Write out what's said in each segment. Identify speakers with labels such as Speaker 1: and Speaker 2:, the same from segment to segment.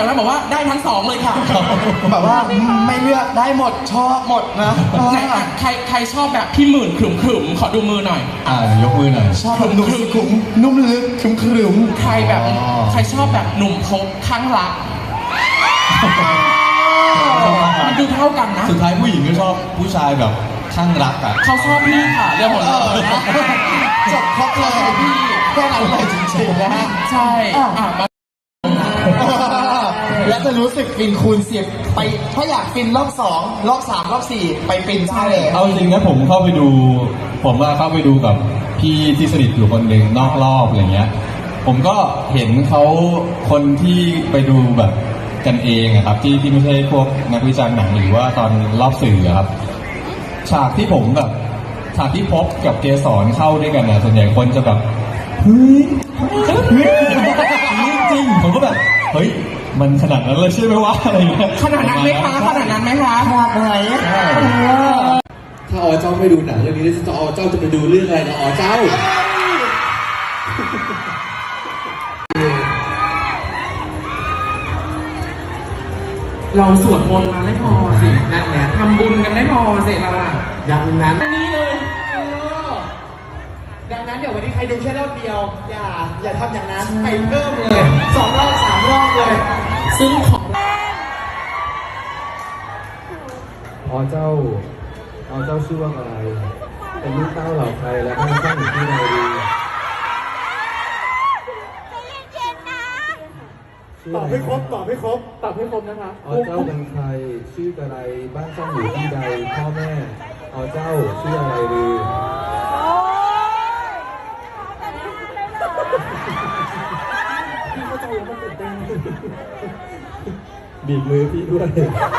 Speaker 1: ถวนั้นบอกว่าได้ทั้งสองเลยค่ะ
Speaker 2: แบบว่าไม่เลือกได้หมดชอบหมดนะ
Speaker 1: ไหนใครชอบแบบพี่หมื่นขรึมๆขอดูมือหน่อย
Speaker 3: ยกมือหน่อย
Speaker 2: ชอบแบบหนุ่มสุขุมนุ่มลึกขรึม
Speaker 1: ใครแบบใครชอบแบบหนุ่มพกข้างรักมันดูเท่ากันนะ
Speaker 3: สุดท้ายผู้หญิงก็ชอบผู้ชายแบบข้างรักอ่ะ
Speaker 1: เขาชอบพี่ค่ะเรื่องของเรา
Speaker 2: จบครบเลยพี่แค่นั้นเลยจริงๆนะฮะ
Speaker 1: ใช่
Speaker 2: และจะรู้สึกฟินคูณ10ไปถ้าอยากฟินรอบ2รอบ3รอบ4ไปฟินได้เลย
Speaker 3: เอาจริงนะผมเข้าไปดูกับพี่ที่สนิทอยู่คนหนึ่งนอกรอบอะไรเงี้ยผมก็เห็นเขาคนที่ไปดูแบบกันเองครับที่ไม่ใช่พวกนักวิจารณ์หนังหรือว่าตอนรอบสื่อครับฉากที่พบกับเกสรเข้าด้วยกันนะส่วนใหญ่คนจะแบบเฮ้ยจริงผมก็แบบเฮ้ยมันขนาดนั้นเลยใช่ไหมวะอะไรเงี้ย
Speaker 1: ขนาดนั้นไหมคะขนาดนั้นไหมคะ
Speaker 2: ขนาดไหน
Speaker 4: ถ้าอ๋อเจ้าไม่ดูหนังเรื่องนี้จะอ๋อเจ้าจะไปดูเรื่องอะไรนะอ๋อเจ้า
Speaker 1: เราสวดมนต์มาไม่พอสินั่นแหละทำบุญกันไม่พอสิเราอะ
Speaker 2: อย่างนั้น
Speaker 1: อันนี้เลย
Speaker 2: ดังนั้นเดี๋ยววันนี้ใครดูแค่รอบเดียวอย่าทำอย่างนั้นไปเพิ่มเลย2รอบ3รอบเลย
Speaker 1: ซึ่งของ
Speaker 4: อ๋อเจ้าชื่อว่าอะไรเป็นลูกเต้าเหล่าใครและท่านสร้างอยู่ที่ไหนดี
Speaker 2: ตอบให้ครบนะคะ
Speaker 4: อ๋อเจ้าเป็นใครชื่ออะไรบ้านช่องอยู่ที่ใดพ่อแม่อ๋อเจ้าชื่ออะไรดีบีบมือพี่ด้วย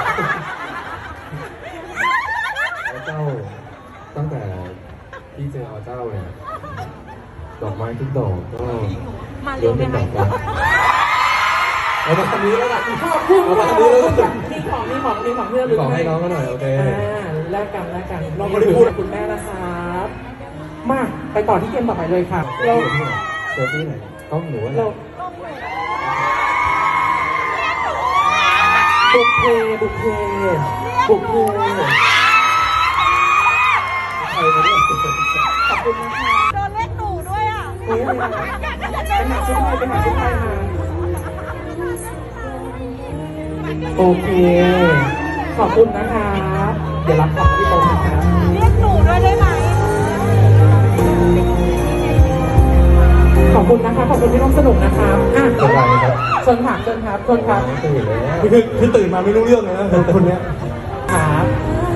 Speaker 4: อ๋อเจ้าตั้งแต่พี่เจออ๋อเจ้าเนี่ยดอกไม้ทุกดอกก็ล้วนเป็นดอกรักเอามาคำนี้แล้วล่ะเอามาคำนี้แล้ว
Speaker 1: มีของที่เราลืม
Speaker 4: ให้น้องก็หน่อยโอเค
Speaker 1: แลกกันเราไม่ได้พูดกับคุณแม่นะครับมาไปต่อที่เกมต่อไปเลยค่ะ
Speaker 4: เราเจอที่ไหนต้องหนูอะไร
Speaker 1: บุกเพ
Speaker 4: ใครมาด้วย
Speaker 1: ขอบคุณนะคะ
Speaker 5: โดนเล่นหนูด้วยอ่ะ
Speaker 1: ไปหาชุดไทยมาโอเคขอบคุณนะคะเดี๋ยวรับของที่โต๊ะนะคะ
Speaker 5: เรียกหนูด้วยได้ไหม
Speaker 1: ขอบคุณนะคะขอบคุณที่ร่วมสนุกนะคะเชิญครับ
Speaker 4: ตื่นแล้วคือตื่นมาไม่รู้เรื่องเลยนะคนนี้
Speaker 1: ครับ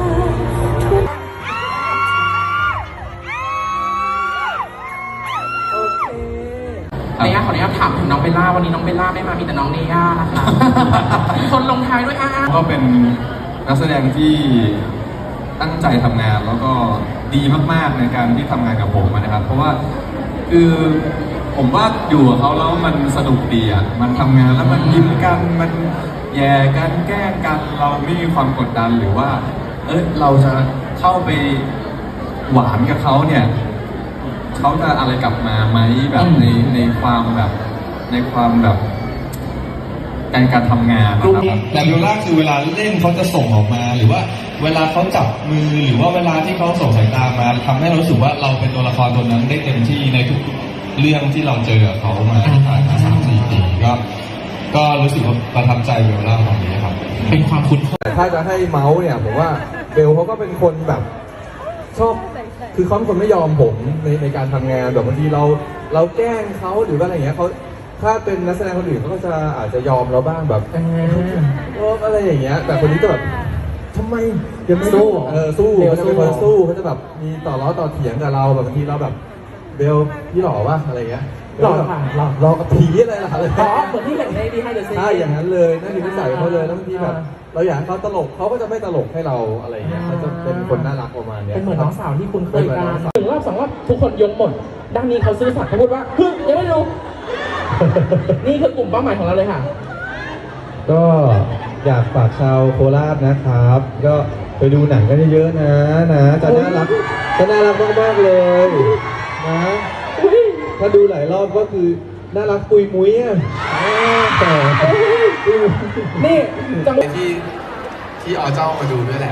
Speaker 1: ขออนุญาตถามถึงน้องเบลล่าวันนี้น้องเบลล่าไม่มามีแต่น้องเนย่านะคะคนลงท้ายด้วย
Speaker 3: ก็เป็นนักแสดงที่ตั้งใจทำงานแล้วก็ดีมากๆในการที่ทำงานกับผมนะครับเพราะว่าคือผมว่าอยู่กับเขาแล้วมันสนุกดีอ่ะมันทำงานแล้วมันยิ้มกันมันแย่กันแกล้งกันเราไม่มีความกดดันหรือว่าเราจะเข้าไปหวานกับเขาเนี่ยเขาจะอะไรกลับมาไหมแบบในความแบบการทำงานนะครับแต่เบลล่าคือเวลาเล่นเขาจะส่งออกมาหรือว่าเวลาเขาจับมือหรือว่าเวลาที่เขาส่งสายตามาทำให้เรารู้สึกว่าเราเป็นตัวละครตัวนั้นได้เต็มที่ในทุกเรื่องที่เราเจอกับเขามาผ่านมา3-4 ปีก็รู้สึกว่าประทับใจเบลล่าตรงนี้ครับ
Speaker 1: เป็นความคุ้นเคย
Speaker 4: แต่ถ้าจะให้เมาส์เนี่ยผมว่าเบลเขาก็เป็นคนแบบชอบคือเขาเป็นคนไม่ยอมผมในการทำงานแบบบางทีเราแกล้งเขาหรือว่าอะไรอย่างเงี้ยเขาถ้าเป็นนักแสดงคนอื่นเขาก็จะอาจจะยอมเราบ้างแบบอะไรอย่างเงี้ยแต่คนนี้ก็แบบทำไมยังไม่สู้สู้เขาจะเป็นคนสู้เขาจะแบบมีต่อล้อต่อเถียงกับเราแบบบางทีเราแบบเบลพี่หล่อวะอะไรเงี้ย
Speaker 1: หล่อค่ะ
Speaker 4: หล่อกับผีอะไรล่ะอะไร
Speaker 1: เหมือนที่เห็นในดีไฮเดอร์ซี
Speaker 4: ใช่อย่างนั้นเลยนั่นคือนิสัยเขาเลยแล้วบางทีแบบเราอยากเขาตลกเขาก็จะไม่ตลกให้เราอะไรเงี้ยเขาจะเป็นคนน่ารักประมาณนี้
Speaker 1: เป็นเหมือนน้องสาวที่คุณเคยกันถึงรอบ2 รอบทุกคนยกหมดด้านนี้เขาซื่อสัตย์เขาพูดว่ายังไม่รู้นี่คือกลุ่มเป้าหมายของเราเลยค่ะ
Speaker 4: ก็อยากฝากชาวโคราชนะครับก็ไปดูหนังกันเยอะๆนะจะน่ารักมากๆเลยนะถ้าดูหลายรอบก็คือน่ารักปุยมุ้ยอ่ะแต่
Speaker 1: นี่จังหวะ
Speaker 4: ที่อเจ้ามาดูด้วยแหละ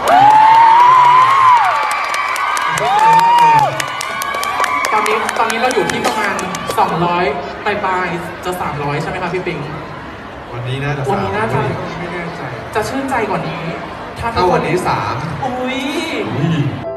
Speaker 1: ตอนนี้เราอยู่ที่ประมาณ 200 ปลายๆจะ 300 ใช่ไหมครับพี่ปิง
Speaker 4: วันนี้น่าจะ
Speaker 1: วันนี้น่าจะ
Speaker 4: ไม่แน่ใจ
Speaker 1: จะชื่นใจกว่านี้ ถ้า
Speaker 4: ถ้าวันนี้3
Speaker 1: อุ้ย